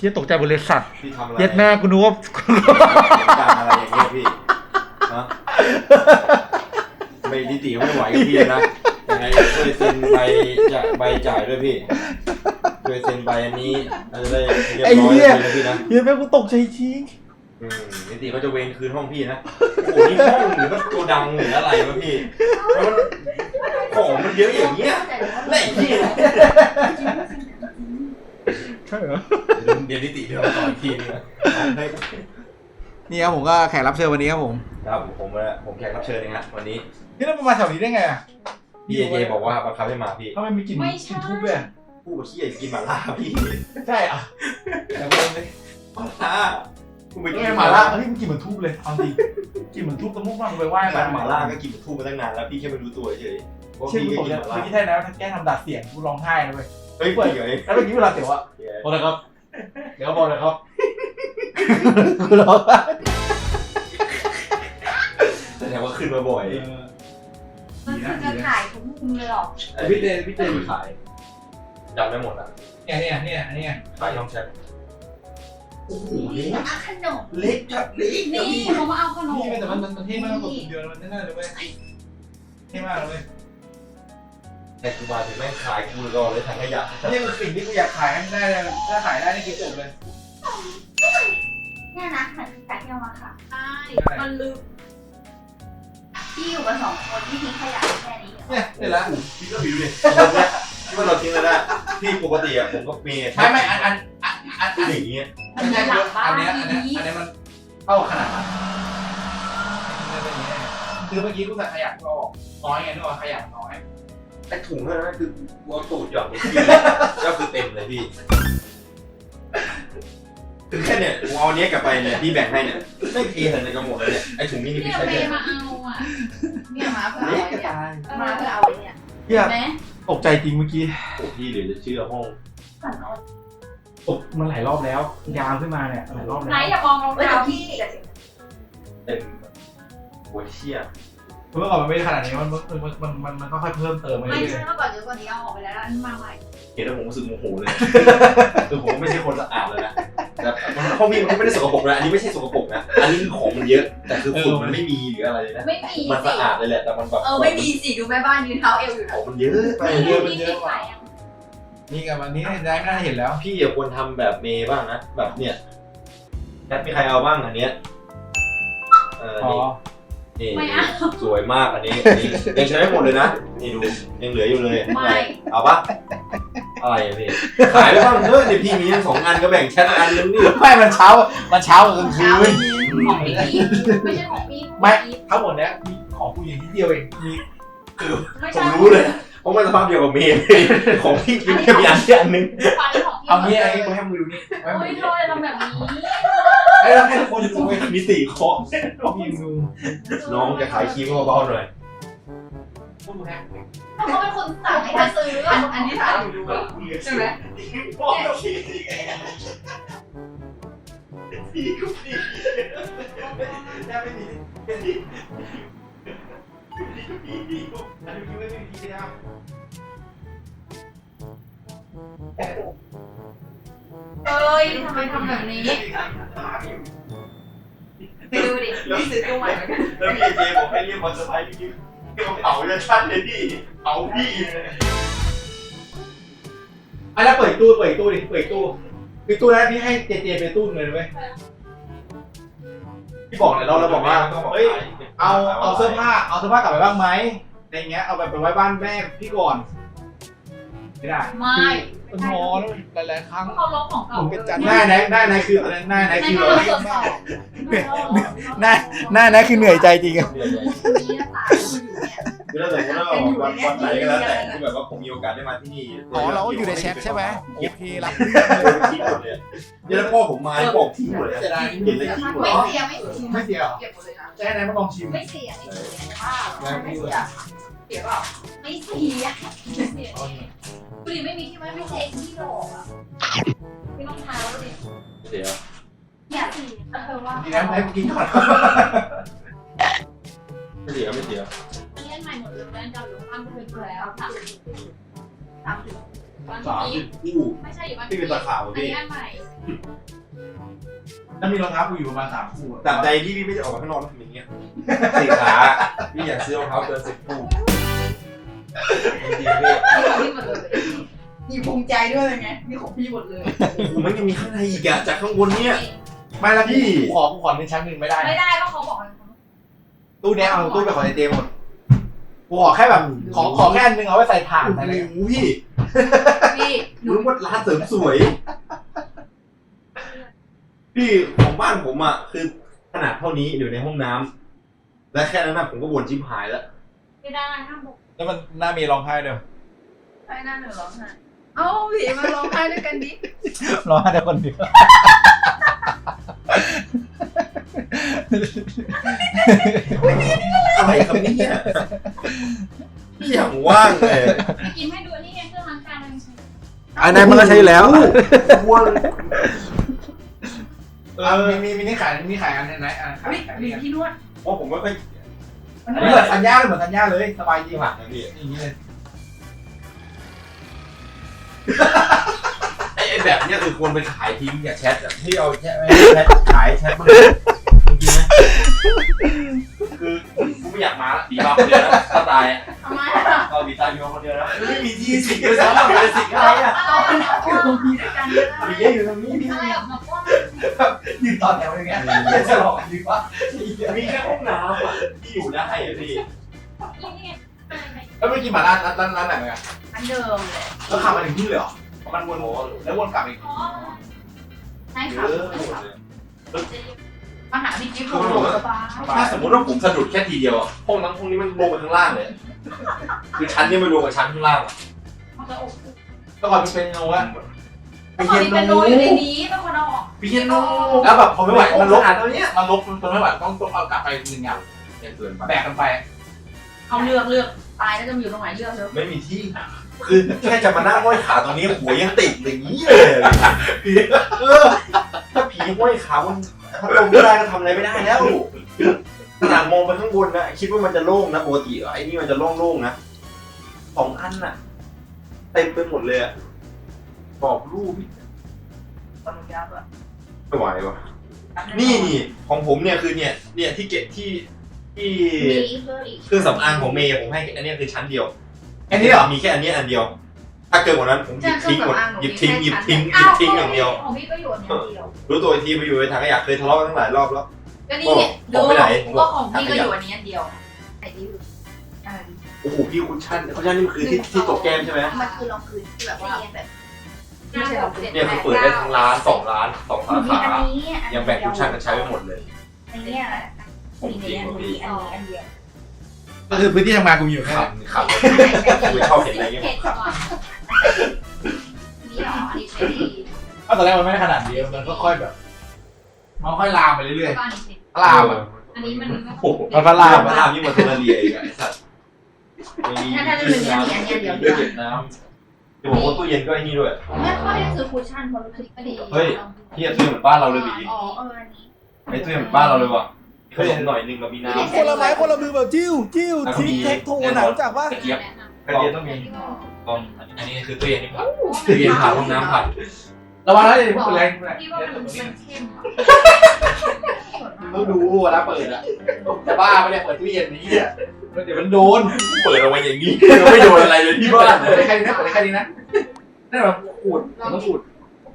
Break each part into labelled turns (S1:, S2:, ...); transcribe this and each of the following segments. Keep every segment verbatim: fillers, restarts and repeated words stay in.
S1: ชี่ยตกใจบริษัท
S2: พี่ทำอะไร
S1: เย็ดแม่กูนึกว่า
S2: การอะไรอย่างเงี้ยพี่ฮะไม่นิติไม่ไหวกับพี่นะยังไงช่วยเซ็นใบจะใบจ่ายด้วยพี่ช่วยเซ็นใบอันนี้อะไรได้เรียบร้อยเลยพี่นะ
S1: เย็ดแม่กูตกใจจริง
S2: อืมนิติเขาจะเวรคืนห้องพี่นะโอ้โหนี่ห้องหรือว่าโกดังหรืออะไรวะพี่มันของมันเยอะอย่างเงี้ยไหนพี่
S1: ใช่เหรอ
S2: เดี๋ยวนิติเดี๋ยวต่ออีกทีนึงนะ
S1: นี่ครับผมก็แขกรับเชิญวันนี้ครับผม
S2: ครับผมผมแขกรับเชิญเองฮะวันนี้
S1: นี่เรามาแถวนี้ได้ไงอ่ะ
S2: พี่เอเจบอกว่าบังคับให้มาพี่
S1: ทำไมมีกลิ่นกลิ่นทุบเลย
S2: ผู้ขี้อยากกินหม่าล่าพี่
S1: ใช่อ่ะแต่ไม่เลย
S2: หม่าล่าคุณไปกิน
S1: หม่าล่าเฮ้ยมันกลิ่นเหมือนทุบเลยเอาจริงกลิ่นเหมือนทุบตะมุกมากไปไหว้มา
S2: หม่าล่าก็กินเหมือนทุบมาตั้งนานแล้วพี่แค่ไม่รู้ตัวเฉย
S1: เชื่อกูตกใจเมื่อกี้แท้แล้วถ้าแกทำดัดเสียงกูร้องไห้เลย
S2: เฮ้ยเปิดเลย
S1: แล้วเมื่อกี้เวลาเตี๋ยวอะบอกเลยครับเดี๋ยวบอกเลยครับกูร้อง
S2: แสดงว่าขึ้นมาบ่อย
S3: มันคือจะถ่ายทุกมุมเลยหรอ
S1: พี่เต้พี่เต้
S2: ขายจำได้หมดอ่ะ
S1: เนี่ยเนี่ยเนี่ยเนี่ย
S2: ขายช่องแชทโอ้โหเล็ก
S3: ขนม
S2: เล็กจัดเล็ก
S3: นี่เขามาเอาขนม
S1: นี่แต่มันมันเท่มากกว่าตัวเดียวมันแน่ๆเลยเว้ยเท่มากเลยเว้ย
S2: แต่กูมาถึงแม่งขายกูรอเลยถังขยะ
S1: นี่คือสิ่งที่กูอยากขายให้ได้เลยถ้าขายได้นี่คือจบเลย
S3: เนี่ยนะเหมือนขายที่เอามาค่ะ
S4: ใช่มันลึก
S3: พี่อยู่กับสองคนที่ทิ้งขยะแค่นี้
S1: เนี่ยเสร็จแล้ว
S2: พี่ก็ผิวดิที่ว่าเราทิ้งแล้วนะพี่ปกติอ่ะผมก็เมย์
S1: ไม่ไม่อันอันอันอันอัน
S2: อย่างเงี้ย
S1: ไม่ใช่เยอะอันเนี้ยอันเนี้ยอันเนี้ยมันเท่าขนาดนั้นคือเมื่อกี้กูใส่ขยะก็น้อยไงนึกว่าขยะน้อย
S2: ไอ้ถุงนั่นคือวอลตูดหย่อนพี่ก็คือเต็มเลยพี่คือแค่เนี่ยกูเอาเนี้ยกลับไปเนี่ยพี่แบ่งให้เนี่ยไม่เทใส่ในกระหมดเลยเนี่ยไอ้ถุงนี้นี่พี่ใช้เลย
S4: มาเอาอ่ะ
S3: เนี่ยมาเพื่อเอาเนี่ยมาเพื่อเอาเนี่ย
S1: เหี้ยตกใจจริงเมื่อกี้
S2: โอ้พี่เดี๋ยวจะเชื่อห้อง
S1: ตกมันหลายรอบแล้วยาวขึ้นมาเนี่ยหลายรอบแล้ว
S4: ไหนอย่ามองรองเท้าพี่
S2: เต็มโอ้ยเชี่ย
S1: เมื่อก่อนมันไม่ได้ขนาดนี้มันมันมันมันมันก็ค่อยเพิ่มเติมไปเรื่อย
S4: ๆไม่ใช่เมื่อก่อนเยอะกว่านี้เอาออกไปแล้วนี่มาใหม่
S2: เห็นแล้วผมรู้สึกโมโหเลยคือผมไม่ใช่คนสะอาดเลยนะแต่ห้องพี่มันไม่ได้สกปรกนะอันนี้ไม่ใช่สกปรกนะอันนี้คือของมันเยอะแต่คือฝุ่นมันไม่มีหรืออะไรเลยนะ
S4: ไม่มี
S2: มันสะอาดเลยแหละแต่มันแบบ
S4: เออไม่มีสิดูแม่บ้านยืนเท้าเอวอยู่
S2: ของมันเยอะไป
S1: เยอะมันเยอะกว่านี่กับวันนี้ได้ไม่ได้เห็นแล้ว
S2: พี่อย่าควรทำแบบเมย์บ้างนะแบบเนี่ยแคทมีใครเอาบ้างอันเนี้ยเออนี่นี่สวยมากอันนี้ยังใช้ได้หมดเลยนะนี่ดูยังเหลืออยู่เลยเอาปะอะไรพี่ขายไปบ้างเถอะเดี๋ยวพี่มีทั้งสองอันก็แบ่งแชทอันนึงนี่
S1: ไม่มันเช้ามันเช้ากับกลางคืน
S4: ของพี่ไม่ใช่ของพี่
S1: ไม่ทั้งหมดเนี้ยมีของผู้หญิงที่เดียวเองมี
S2: คือผมรู้เลยเพราะมันสภาพเดียวกับเมย์ของพี่กินแค่มีอันเดียวอันนึง
S1: เอางี้ไอ้กูให้มึงดูนี่
S4: โอ้ยโทษทำแบบนี้
S1: ไอ้ให้ทุกคนดู
S2: มีสี่คอ
S1: พี่ดู
S2: น้องจะขายครีมเบาๆหน่อย
S4: เขาเป็นคนสั่งให้มาซื้ออันนี้ถ่ายอยู่ดูใช่ไหม
S2: พ่อพี่พี่ก็พี่ได้ไม่ดีไม่ดีพี่พี่ก็อันนี้ไม่ได้พี่นะ
S4: เอ้ยทำไมทำแบบนี้ไปดูดิพี่ซื้อตัวใหม่เหมือนกัน
S2: แล้วพี่เจบอกให้เรียกมอเตอร์ไซค์พี่เรียกเผาจะชัดเลยพี่เผาพี่
S1: อ่ะแล้วเปิดตู้เปิดตู้ดิเปิดตู้ปิดตู้นะพี่ให้เจเจไปตู้เลยไหมพี่บอกเลยเราเราบอกว่าเฮ้ยเอาเอาเสื้อผ้าเอาเสื้อผ้ากลับไปบ้างไหมอะไรเงี้ยเอาแบบไปไว้บ้านแม่พี่ก่อนไม่ได้
S4: ไม่
S1: มันงอแล้วหลายๆครั้ง
S4: เขาลบของเก่า
S1: หน้าไหนหน้าไหนคืออะไรหน้าไหนคือเราหน้าหน้าไหนคือเหนื่อยใจจริงอะ
S2: คือถ้าสมมติว่าวันวันไหนก็แล้วแต่ที่แบบว่าผมมีโอกาสได้มาที่นี่
S1: อ๋อเราอยู่ในแชทใช่ไหมโอเครับ
S2: ทิ้งหมดเลยเดี๋ยวพ่อผมมาบอกทิ้งหมดเลยเห็นเลยทิ้งหมด
S3: ไม่เสียไม่เสีย
S1: ไม่เสียเก็บหมดเลยนะแค่ไหนมาลองชิม
S3: ไม่เสียไม่เสียไม่เสียเสียเปล่าไม่เสียไม่เสีย
S4: คุณดิไม่มีที่ไว้ไม่ใช่ที่หลอกอ่ะไม่ต้องเท้าดิ
S2: เสีย
S3: เนี่ยสิเธอว่า
S1: ดีนะให้กินก่อน
S2: ไม่เสียไม่เสีย
S4: เล่นใหม่หมดเลยแม่จะหรือข้ามไปเลยแล้วสามสามวัน
S2: สาม
S4: นี้
S2: สิบคู่
S4: ไม่ใช่อยู่บ้าน
S2: ที่เป็นตะข่าว
S4: อัน
S2: พี่
S4: นี้อันใหม่
S1: แล้วมีรองเท้ากูอยู่ประมาณสามคู่อะ
S2: ตราบใดที่พี่ไม่ได้ออกมาข้างนอกแล้วทำอย่างเงี้ยสี่ขา พี่อยากซื้อรองเท้าเกินสิบคู่จริงๆพี่
S4: นี่หมดเลย
S3: นี่ภูมิใจด้วยไงนี่ของพี่หมดเลย
S2: ผมมันยังมีข้างในอีกอะจากข้างบนเนี่ย
S1: ไม่ละพี่กูขอกูขอในชั้นหนึ่งไม่ได้
S4: ไม่ได้ก็เขาบอก
S1: ตู้เนี้ยเอาตู้ไปขอในเจหมดกูขอแค่แบบขอขอแค่อันนึงเอาไว้ใส่ถ่าน
S2: โอ้
S1: อะไร
S2: โหพี่
S3: พี่หนู
S2: รู้ว่าร้านเสริมสวย พี่ของบ้านผมอะคือขนาดเท่านี้อยู่ในห้องน้ำและแค่นั้นนะผมก็บ่นชิบหายแล้ว
S4: ไม่ได้ห้ามบอก
S1: แล้วมันน่ามีร้องไห้เด้อ
S3: ใช่หน้าหนูร้องไห้เอ้าพี่มาร้องไห้ด้วยกันดิ
S1: ร้องไห้แต่คนเดียว
S2: อะไรครับเนี่ยพี่อย่างว่างเลย
S4: พี่กินให้ดูนี่ไงเครื่องล้างจานมันใช้
S1: อันนั้นมันก็ใช้แล้ว
S2: ว่าง
S1: เออมีมีมีนี่ขายมีขายอันไหนอันขาย
S3: พี่
S1: ขาย
S3: มี
S1: นี่
S3: พี่นวด
S2: ว่าผมไม่ค่อย
S1: อันนี้เหมือนสัญญาเลยเหมือนสัญญาเลยสบายจริง
S2: ผักนะพี่
S1: อย่างนี้เลย
S2: ไอ้ไอ้แบบเนี้ยคือควรไปขายทิ้งอย่าแชทอะที่เอาแชทแชทขายแชทมาจริงๆนะคือกูไม่อยากมาละดีมาคนเดียวนะถ้าตายอะ
S3: ทำไมอ่ะ
S2: เอาดีตายดีมาคนเดียวนะไม่มีที่สิงเลยซ้ำอะเป็นสิงอะไรอะ
S3: เราคือของพี่ด้วยกันเยอะ
S2: มีเยอะอยู่ตรงนี้พี่
S4: อะไรออกมาป้อน
S1: ยืนต่อแถวอย่างเงี้ยจะหลอกดีวะ
S2: มีแค่ห้องน้ำอะที่อยู่ได้อะพี่
S4: นี่ไงอะไรไหม
S1: แล้วไม่กินหมาร้านร้านร้านไหนไหมอ่ะ
S3: อันเดิมเลย
S1: แล้วขับมาถึงที่เลยเหรอมันวนแล้ววนกลับอีก
S4: อ๋อ
S3: ใช่
S2: เย
S3: ค่ะ
S2: อะ
S3: มาหาพี่จิ๊บโหสบาย
S2: ถ้าสมมติว่าผมสะดุดแค่ทีเดียวอะห้องนั้นห้องนี้มันลงไปข้างล่างเลยคือชั้นนี้ไม่รวมกับชั้นข้างล่างอะ
S4: มันจะอบ
S1: แล้วก่อนมันเป็นโนวะ
S4: ตอนนี้เป็นโนอยู่ในนี้เป็นคนเอาออก
S2: พี่เคนโน
S1: แล้วแบบพอไม่ไหวมันลบ
S2: ขนาดเท่านี้
S1: มันลบมันไม่ไหวต้องต้องเอากลับไปหนึ่งอย่าง
S2: เกินไป
S1: แบกกันไป
S3: เอาเลือกเลือกตายแล้วจะมาอยู่ตรงไหนเลือกเถอะ
S2: ไม่มีที่ คือแค่จะมานั่งห้อยขาตรงนี้หัวยังติดอย่างนี้เลยเออถ้าผีห้อยขามันพัดลมไม่ได้ก็ทำอะไรไม่ได้แล้วขนาดมองไปข้างบนนะคิดว่ามันจะโล่งนะปกติไอ้นี่มันจะโล่งๆนะสองอันน่ะเต็มไปหมดเลยอะกรอบรูป
S3: ตอนยับอ่ะ
S2: ไม่ไหววะนี่นี่ของผมเนี่ยคือเนี่ยเนี่ยที่เก็บที่ที่
S3: มีเพิ่มอีก
S2: เครื่องสำอางของเมย์ผมให้อันเนี้ยคือชั้นเดียว
S1: อันนี้เหรอ
S2: มีแค่อันเนี้ยอันเดียว ถ้าเกินกว่านั้นผมหยิบทิ้งหมดหยิบทิ้งหยิบทิ้งหยิบทิ้งอย่างเดียว
S4: ของพี่ก็อยู่อันเดียว
S2: รู้ตัวอีกทีไปอยู่ในถังขยะเคยทะเลาะกันตั้งหลายรอบแล้ว
S3: ก็นี่เนี่ยดูก็ของพี่ก็อยู่อันนี้อันเดียวไหนที่อยู่อ่า
S2: โอ้โหพี่คุชชั่นคุชชั่นนี่มันคือที่ที่ตกแก้มใช่ไหม
S3: มันคือรองพื้นที่แบบว่าแบบไม่ใช่รองพื้น
S2: เนี่ยคือเปิดได้ทั้งร้านสองร้านสองสา
S3: มี
S2: ขา
S3: อันนี้
S2: ยังแบ่งคุชชั่นกันใช้ไม่หมดเลย
S3: อันนี้มีในอันนี้อันนี้อันเดียว
S1: ก็คือพื้นที่ทำงานกูอยู่แค่
S2: ขับขับคือชอบเห็นอะไรเงี้ย
S4: เผ็ดก่อนนี่หรออันนี้ใช้ดี
S1: ก็ตอนแรกมันไม่ได้ขนาดนี้มันก็ค่อยแบบมันค่อยลามไปเรื่อย
S4: ก็อันนี้สิ
S1: ๆลามอ่ะ
S4: อันนี้มัน
S2: โอ้โห
S1: มันก็ลาม
S2: มันลามยิ่งกว่าเทอร์เรียอีกอะไอ้สัตว์มี
S3: ถ้าถ้าจะเป็นอันนี้อันนี้เดียว
S2: เลือดเย็นน้ำจะบอกว่าตู้เย็นก็ไอ้นี่ด้วย
S3: ไม่ค่อยได้ซื้อคุชชั่นเพราะรู้สึกไม่ดี
S2: เฮ้ย เทียบตู้เหมือนบ้านเราเลยบี
S3: อ๋อเอออันนี้
S2: ไอ้ตู้เหมือนบ้านเราเลยว่ะขนมหน่อยนึงกับมีน้ำ
S5: คนละไม้คนละมือแบบจิ้วจิ้ว
S2: แล้วก็
S5: ทิ
S2: มี
S5: กเทคโทนะรู้จักปะ
S2: กระเจี๊ยบ
S4: แนะนำ
S2: กระเจี๊ยบต้องมีกองอันนี้คือตู้เย็นที่ผัดตู้เย็นผัดห้องน้ำผัด
S1: ระวังนะอย่าเพิ่งแรง
S4: พี่ว่ามันมันเข้มอ่ะ
S1: ต้องดูเวลาเปิดอ่ะจะบ้าไม่ได้เปิดตู้เย็นนี้อ่ะเดี๋ยวมันโดน
S2: เปิดเอาไว้อย่างนี้ไม่โดนอะไรเลยที่บ้าน
S1: เปิดได้แค่นี้นะเปิดได้แค่นี้นะนั่นแบบขูดมันต้องขูด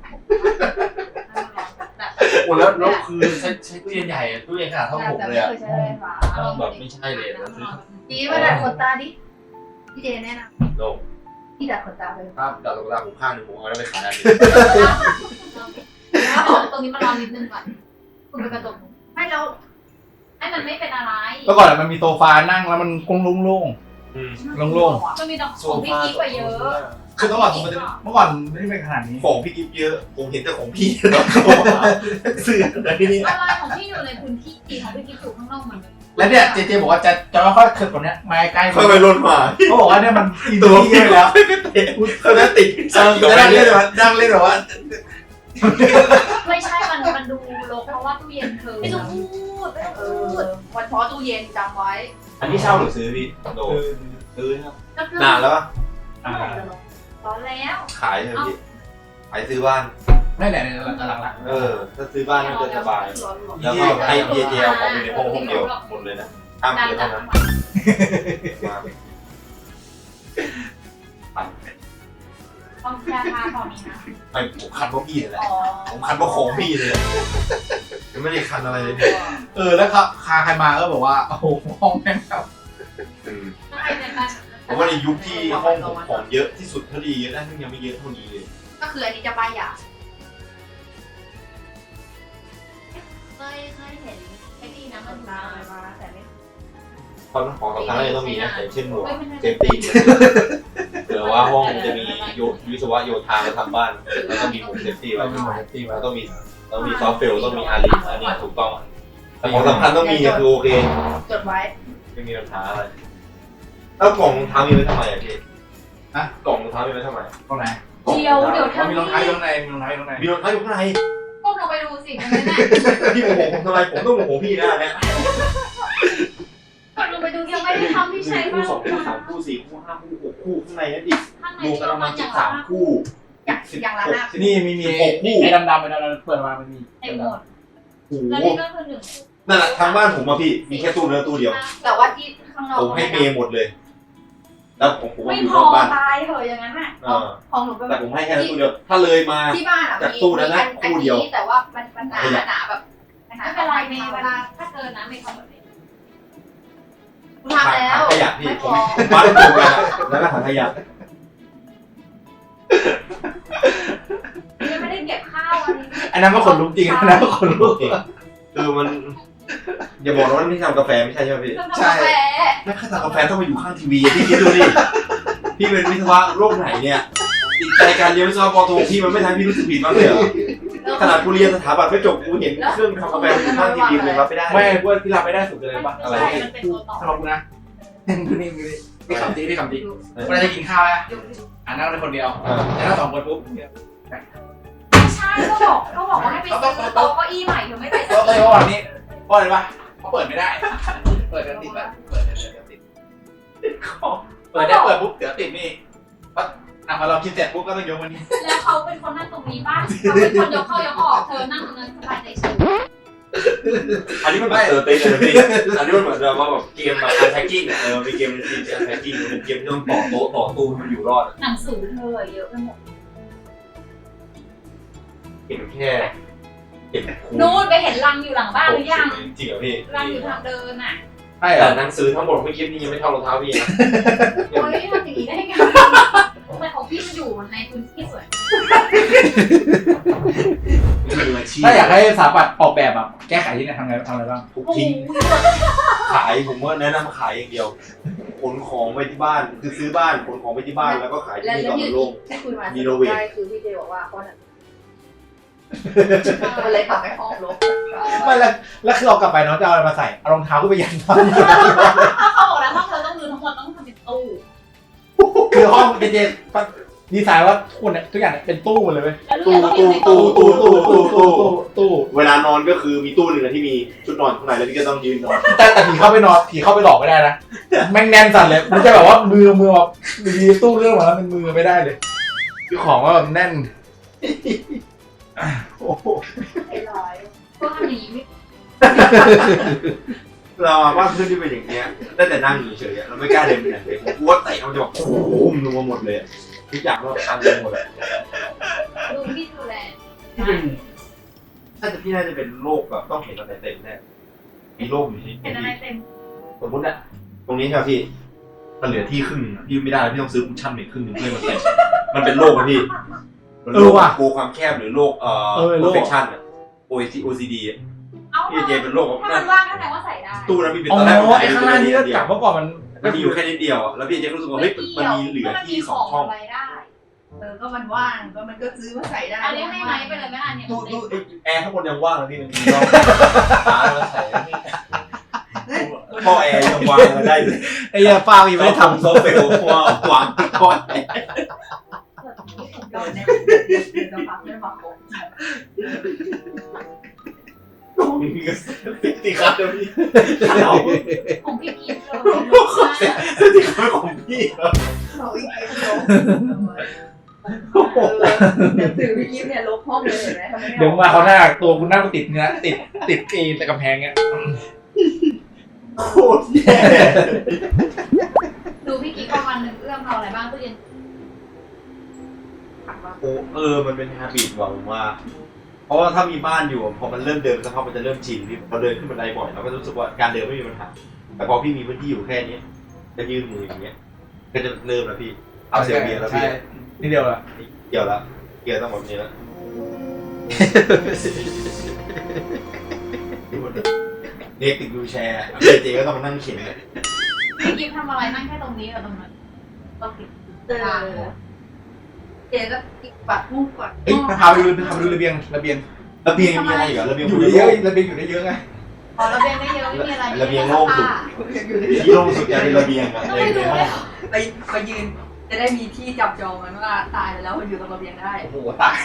S2: โอ้แล้วแล้วคือใช้ใช้ตู้เย็นใหญ่ตู้เย็นขนาดเท่าผม
S3: แต่
S2: เล
S3: ไม่
S2: ยอะ
S3: เคยใช้ไฟฟ้า
S2: แบบไม่ใช่เลยนะซื้อ
S3: จีมาดัดขนตาดิพี่เจแนะน
S2: โลก
S3: ำพี่ดัดขนตาเลย
S2: ภาพดาวตกตาผมข้างหนึ่งผมเอาแล้วไปขายอันนี้
S4: ตรงนี้มันรอนิดนึงก่อนคุณไปกระจก
S3: ไม่แล้ว
S4: ให้มันไม่เป็นอะไร
S1: เมื่อก่อนมันมีโซฟานั่งแล้วมันกงโล่ง
S2: อืม
S1: ๆโล่ง
S4: มันมีดอกของพี่กิ๊กไปเยอะ
S1: ๆคือเมื่อก่อนมันจะเมื่อก่อนไม่ได้เป็นขนาดนี้
S2: ของพี่กิฟเยอะผมเห็นแต่ของพี่ตอนเสื้ออะไรนี่
S4: อะไรของพี่อยู่ในพื้นที่ของพี่กิ๊กอยู่ข้างนอกมัน
S1: แล้วเนี่ยเจเจบอกว่าจะจะค่อยๆขึ้นกว่านี้มาใกล้
S2: ค่อยไปล่นมา
S1: เขาบอกว่าเนี่ยมันอิน
S2: ตัว
S1: ที่
S2: พี่
S1: เยอะแล้ว
S2: เขาจะติด
S1: เออจะนั่งเล่นแบบว่านั่งเล่นแบบว่า
S4: ไม่ใช่มันมันดูรกเพราะว่าตู้เย็นเธอ
S3: ไม่ต้องพูดไม่ต้องพูดวันเพาะตู้เย็นจำไว้
S2: อันนี้เช่าหรือซื้อพี่โดซื้อครับ
S4: ก็คือน
S2: านแล้วป่ะ
S1: อ่า
S4: ร้อนแล้ว
S2: ขายเลยพี่ขายซื้อบ้าน
S1: ได้ไหนในหลังหลัง
S2: เออถ้าซื้อบ้านน่าจะสบายแล้วก็ให้เยเจเอาของอยู่ในห้องห้องเดียวหมดเลยนะห้าม
S4: ดัน
S2: เยอะ
S4: จั
S2: เท่าง นั้นมา
S4: ต้องแช่ผ้าตอนนี้นะ
S2: ไม่ผมคันเพราะพี่เลยแหละ
S4: อ๋อ
S2: ผมคันเพราะของพี่เลยยังไม่ได้คันอะไรเลยพี่
S1: เออแล้วครับคาใครมาก็บอกว่าโอ้โหห้องแม่งแบบ
S2: อืม
S4: ใครในการ
S2: ผมว่าในยุคที่ห้องผมของเยอะที่สุดเท่าดีนะซึ่งยังไม่เยอะเท่านี้เลย
S3: ก็คืออันนี้จะป้ายยา
S4: เคยเคยเห็นไอ้นี่นะมันมามาแต่ไม่
S2: ตอนของสำคัญอะไรต้องมีนะอย่างเช่นหมวกเซฟตี้เผื่อว่าห้องจะมีโยวิศวะโยธามาทำบ้านแล้วต้องมีหมวกเซฟตี้ไว้
S1: เราเป็นหมอตี
S2: แล้
S1: มาว
S2: ต้องมีต้องมีซอฟต์เฟลต้องมีอาริอันนี้ถูกต้องแต่ของสำคัญต้องมีคือโอเค
S3: จดไว้
S2: ไม่มีปัญหาอะไรแล้วกล่องรองเท้ามีไว้ทำไมอ่ะพี่
S1: นะ
S2: กล่องรองเท้ามีไว้ทำไม
S1: ตรงไหน
S4: เดียวเดี๋ยว
S1: เขา
S4: ทำ
S1: มีรองเท้าอยู่ข้างในมีรองเท้าอยู่ข้างใน
S2: มีรองเท้าอยู่ข้างใน
S4: ก้มลงไปดูสิมันไม่แน่
S2: พี่โมโหผมทำไมผมต้องโมโหพี่นะเนี่ย
S4: ก้มลงไปดูยังไม่ได้ทำที่ใช้
S2: คู่สองคู่สามคู่สี่คู่ห้าคู่หกคู่ข้างในนั่นอีก
S4: ข้างใน
S2: รวม
S4: ที่
S2: กันประ
S4: มั
S2: มาณ
S4: นอ
S2: สิ
S4: ย่า
S2: บ
S4: ง
S2: สามคู่
S3: อย่างอย่างละหน้า
S1: นี่มีมี
S2: สิบหกคู่
S1: ไอ้ดำๆไอ้ดำๆเปิดมามันมี
S4: ไอ้หมด
S2: โอ้โห
S4: แล้วนี่ก็คือหนึ่ง
S2: นั่นแหละทางบ้านผมอะพี่มีแค่ตู้เนื้อตู้เดียว
S3: แต่ว่าที่ข้างนอก
S2: ผมให้เมย์หมดเลย แล้วผมผมก็
S4: ไม่
S2: อยู่
S4: พ
S2: น
S4: อ
S2: อกบ้าน
S4: ตายเถอะอย่างนั้นอ่ะ
S2: เออ
S3: ของหนูเป็น
S2: แต่ผมให้แค่ตู้เดียว ถ้าเลยมา
S3: ที่บ้านอ่ะ
S2: จาก
S3: มี
S2: ตู้นั้นนะ
S3: มีอั
S2: ตู้เดียว
S3: แต่ว่ามันมันหนาหนาแบบหนา
S4: ไม่เป็นไรเมย์เวลาถ้าเกินนะเมย์ทำแบบนี้
S3: ทำแล้ว
S2: ขยะพี่
S3: ไม่
S2: ผ
S3: พ
S2: ม
S3: อ
S2: ผมบ้านถูกกันอะแล้วก็ถังขยะ
S4: ยังไม่ได้เก็บข้าวอันนี้
S1: อันนั้นก็ขนลุกจริงอันนั้นก็ขนลุก
S2: คือมันอย่าบอกนะว่าที่ทำกาแฟไม่ใช่ใช่ไหมพี่
S4: เครื่องทำกาแฟ
S2: แล้วถ้าทำกาแฟต้องมาอยู่ข้างทีวีอะพี่คิดดูดิพี่เป็นวิศวะโลกไหนเนี่ยจิตใจการเรียนวิศวะปอโทพี่มันไม่ทำให้พี่รู้สึกผิดบ้างเลยเหรอขนาดกูเรียนสถาบันไม่จบกูเห็นเครื่องทำกาแฟอยู่ข้างทีวีเลยรับไม่ได้
S1: ไม่พวกที่รับไม่ได้สุดเลยป่ะ
S2: อะไร
S4: ใช่มันเป็นตัวต่อ
S1: สำหรับกูนะดูนี่ดูนี่พี่ขำจริงพี่ขำจริงเวลาจะกินข้าวอะอ่านั่งได้คนเดียวแต่ถ้าสองคนปุ๊บ
S4: ไม่ใช่ก็บอกก็บอกว่าให้ไปซื้อโต๊ะเก้าอี้ใหม่เธอไม่ไปซื้
S1: ก็
S4: อ
S1: เลยว่าวันนี้เพราะอะไรวะเขาเปิดไม่ได้ เปิดเดี๋ยวติดแบบเปิดเดี๋ยวเดี๋ยวติดเปิดได้เปิดปุ๊บเดี๋ยวติดนี่ปั๊บอ่ะพอเรากินเสร็จปุ๊บก็ต้องยกมันนี่
S4: แล้วเขาเป็นคนนั่งตรงนี้ป่ะเขาเป็นคนยกเข้ายกออกเธอนั่งตรงนั้นสบายใจชิว
S2: อันนี้มันแบบเตอร์เต้เลยพี่อันนี้มันเหมือนแบบว่าแบบเกมแบบอันแท็กกิ้งเออมีเกมที่อันแท็กกิ้งเป็นเกมที่ต้องต่อโต๊ะต่อตู้มันอยู่รอด
S4: หนังสือเธอเยอะไปหมด
S2: เห็นแค่เห็นคู
S4: นู่นไปเห็นรังอยู่หลังบ้านหรือยัง
S2: จริงเหรอพี่
S4: รังอยู่ทางเดินอ่ะ
S1: ใช่เหร
S2: แต่
S1: อ
S2: หนังสือทั้งหมดไม่คิดนี่ยังไม่เท่ารองเท้าพี่นะ
S4: โอ้ยทำอย่างนี้ได้ไงทำไมของพี่มันอยู่ในพื้นที่สวย
S2: มืออาชีพ
S1: ถ้าอยากให้สถาปัตย์ออกแบบแบบแก้ไขที่ไหนทำไงทำอะไรบ้าง
S2: ทุกทิ้งขายผมว่าแนะนำขายอย่างเดียวขนของไปที่บ้านคือซื้อบ้านขนของไปที่บ้านแล้วก็ขายที่
S3: แล้ว
S2: นี่
S3: แล้ว
S2: ก่อน
S3: ที่
S2: มันโล่ง
S3: ที่คุยมา
S2: มีโนเวท
S3: ได้คือพี่เจบอกว่าเขาเนี่ยมันเลยทำให้ห้องรก
S1: ไม่แล้วแล้วคือเอากลับไปเนาะจะเอาอะไรมาใส่เอารองเท้าขึ้นไปยันบ้าน
S4: ถ้าเขาบอกแล้วห้องเธอต้องรื้อทั้งหมดต้องทำเป็นตู้
S1: คือห้องเจเจดีไซน์ว่าทุกคนเนี่ยทุกอย่างเนี่ยเป็นตู้หมดเลยเว้ย
S4: แล้ว
S2: ตู้
S4: เรียนต้อง
S2: ตู้
S4: อยู่ใน
S2: ตู้
S4: ตู้
S2: ตู้ตู้ตู้ตู้
S1: ตู้
S2: เวลานอนก็คือมีตู้หนึ่งอะที่มีชุดนอนข้างในแล้วพี่ก็ต้องยืนนอน
S1: แต่แต่ผีเข้าไปนอนผีเข้าไปหลอกไม่ได้นะแม่งแน่นสั่นเลยมันจะแบบว่ามือมือแบบมีตู้เรื่องมาแล้วเป็นมือไม่ได้เลยคือของว่าแบบแน่นโอ้โห
S3: ไอ้ร้อย
S4: พวกทำอย่างนี้ไม่
S2: เราอะบ้านเพื่อนที่เป็นอย่างเงี้ยได้แต่นั่งอยู่เฉยๆเราไม่กล้าเดินไปไหนเลยผมกลัวเตะมันจะแบบโอ้โหมันนัวหมดเลยทุกอย่างเราทำเองหมดเลย
S4: ดูพี่ดูแล
S2: ที่เป็นน่าจะพี่น่าจะเป็นโรคแบบต้องเห็นอะไรเต็มแน่มีโรคอยู่ที่
S4: เห็นอะไรเต็ม
S2: สมมติอะตรงนี้ใช่ไหมพี่มันเหลือที่ครึ่งพี่ไม่ได้พี่ต้องซื้อคุชชั่นอีกครึ่งหนึ่งเพื่อมันเต็มมันเป็นโรคอะพี่มันโรคกลัวความแคบหรือโรคเอ่อ perfection อะ โอ ซี ดี อะ
S4: เอา
S2: พี่เจเป็นโรคแบบ
S4: ถ้ามันว่างก็แสดงว่าใส่ได้
S2: ตู้นั้นพี่เป็น
S1: อ๋
S2: ตอนแรก
S1: อไอ้ข้างล่างนี่ก็กลับเมื่อก่อนมัน
S2: มันมีอยู่แค่นิดเดียวอะแล้วพี่เจก็รู้สึกว่าเฮ้ยมันมีเหลือที่สองช่อง
S4: ไว้ได้
S3: เออก็มันว่างก็มันก็ซื้อมาใส่ได้
S4: อันนี้ให้ไหมไปเลยไหมล่ะเนี่ย
S2: ตู้ตู้ไอ้แอร์ข้างบนยังว่างเลยพี่มันมีช่องตามาใส่ท่อแอร์ยังวางมาได้เลย
S1: ไอ้ยาฟ้าอีไม่ได้ทำ
S2: โซเฟลวางวางท่อแอร์
S3: โดนเนี่ยจะฟังไม่มาโกง
S2: ติครับเดี๋ยวพี่
S4: ของพี่พีทเลย
S2: ติครับของพี่ครับ
S3: เขาอีกเกมโดนเดี๋ยวสื่อพี่กิฟเนี่ยลบห้องเลยเห็นไหมทำไมไม่
S1: เดี๋ยวมาเขาหน้าตัวคุณหน้ากูติดเนื้อติดติดเอแต่กำแพงเงี้ย
S2: โคตรแย่
S4: ดูพี่กิ๊กประมาณหนึ่งเอื้อมเอาอะไรบ้างตู้เย็น
S2: โอ้เออมันเป็นฮาบิตว่ะผมว่า เพราะว่าถ้ามีบ้านอยู่พอมันเริ่มเดินสักพักมันจะเริ่มชินพี่พอเดินขึ้นบันไดบ่อยเราก็รู้สึกว่าการเดินไม่มีปัญหาแต่พอพี่มีพื้นที่อยู่แค่นี้จะยื่นมืออย่างเงี้ยก็จะเริ่มแล้วพี่เอาเสียเบียร์แล้วพี่
S1: นี่เดียวละ
S2: เกี่ยวแล้วเกี่ยวต้องแบบนี้แล้วเด็กติดวิวแชร์เจก็ต้องมานั่งเข็นเลย
S4: พี่กิ๊กทำอะไรนั่งแค่ตรงนี้กับตรงนั้นก็ติด
S3: เออเจก็ปัดมุกก่อน
S1: เอ้ยพาไปดูพาไปดูระเบียงระเบียง
S2: ระเบียงมีอะไรอีกเหรอระเบียง
S1: อยู่ได้เยอะระเบียงอยู่ได้เยอะไง
S4: อ๋อระเบียงได้เยอะไม่มีอะไร
S2: ระเบียงโล่งสุดที่โล่งสุดจะเป็นระเบียงอะ
S4: ต้อง
S2: ใน
S4: ไปดู
S2: ห้อ
S4: เลย
S2: ง
S3: ไปไปยืนจะได้มีที่จับจองมันว่าตายไปแล้วมันอยู่ตรงระเบียงได้
S1: โอ้โหตาย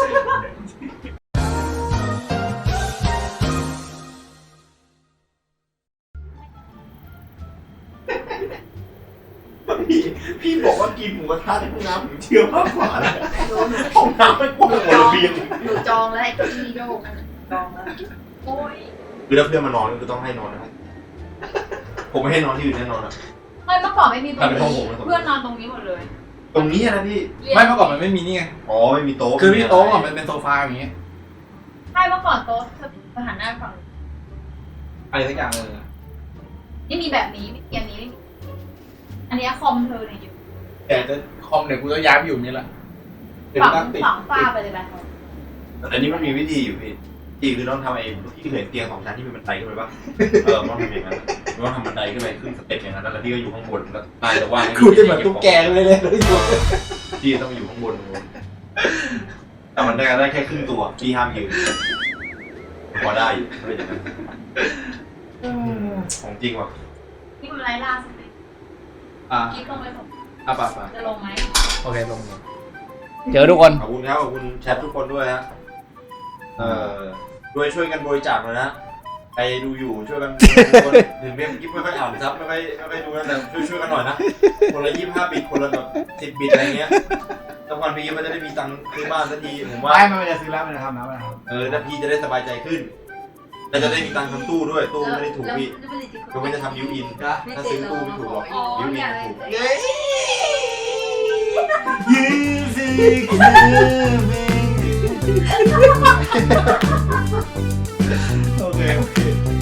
S2: พี่พี่บอกว่ากินหมูกระทะในห้องน้ำผมเชื่อมากกว่านะ
S3: หนูหนู
S2: ห้องน้ำไม่กว้างกว่าระเบียง
S3: หนูจองแล้วไอ้เก้าอี้โยกนั่นจองแล้วโอ้ย
S2: คือถ้าเพื่อนมานอนก็คือต้องให้นอนนะครับผมไม่ให้นอนที่อื่นแน่นอนอะ
S4: ไม่เมื่อก่อนไม่มีตรงนี้เพื่อนนอนตรงนี้หมดเลย
S2: ตรงนี้อะนะพี่
S1: ไม่เมื่อก่อนมันไม่มีนี่ไง
S2: อ๋อไม่มีโต๊ะ
S1: คือพี่โต๊ะอ่ะมันเป็นโซฟาอย่างเงี้ย
S4: ใช่เมื่อก่อนโต๊ะเธอหันหน้าฝั่ง
S1: อะไรสักอย่างเลย
S4: นี่มีแบบนี้มีเตียงนี้ไม่มีอันนี้คอมเธอเนี่ยอยู่
S1: แต่จะคอมเดี๋ยวกูจะย้ายไปอยู่นี่แหละเดี๋ยว
S4: ฝัง
S1: นั่งติด
S4: ฝังฝ้าไปเลยแบบ
S2: แต่นี้มันมีวิธีอยู่พี่ที่คือต้องทำไอ้ที่เห็นเตียงสองชั้นที่มีบันไดขึ้นไปปะเออต้องทำอย่างนั้นต้องทำบันไดขึ้นไปขึ้นสเต็ปอย่างนั้นแล้วพี่ก็อยู่ข้างบนแล้วตายจะว่าง
S1: กูจะแบบตุ๊กแกเลยเลยเลยอยู่
S2: พี่ต้องอยู่ข้างบนแต่มันได้ได้แค่ครึ่งตัวพี่ห้ามยืนพอได้อยู่ไม่เป็นอย่างนั้นของจริงว่ะ
S4: ที่มันไร้ล่าสุดเลย
S1: อ่า
S4: กิ๊กลงไปผม
S1: อ่ะป่ะป่ะ
S4: จะลงไหม
S1: โอเคลงเจอทุกคน
S2: ขอบคุณครับขอบคุณแชททุกคนด้วยฮะเอ่อด้วยช่วยกันบริจาคหน่อยนะใครดูอยู่ช่วยกันถึงเว็บกิ๊บไม่ค่อยอ่านซับไม่ค่อยไม่ค่อยดูนะแต่ช่วยช่วยกันหน่อยนะคนละยี่สิบห้าบิตคนละแบบสิบบิตอะไรเงี้ยสักวันพี่มันจะได้มีตังค์ซื้อบ้านสักทีผมว่า
S1: ไม่ไม่จะซื้อแล้วมันจะทำนะมันทำ
S2: เออถ้าพี่จะได้สบายใจขึ้นแล้วจะได้มีตังค์ทำตู้ด้วยตู้ไม่ได้ถูกพี่ก็ไม่จะทำยูอินถ้าซื้อตู้ไม่ถูกหรอกยูอินถูก
S3: เย้
S2: ยูสิโอเคโอเค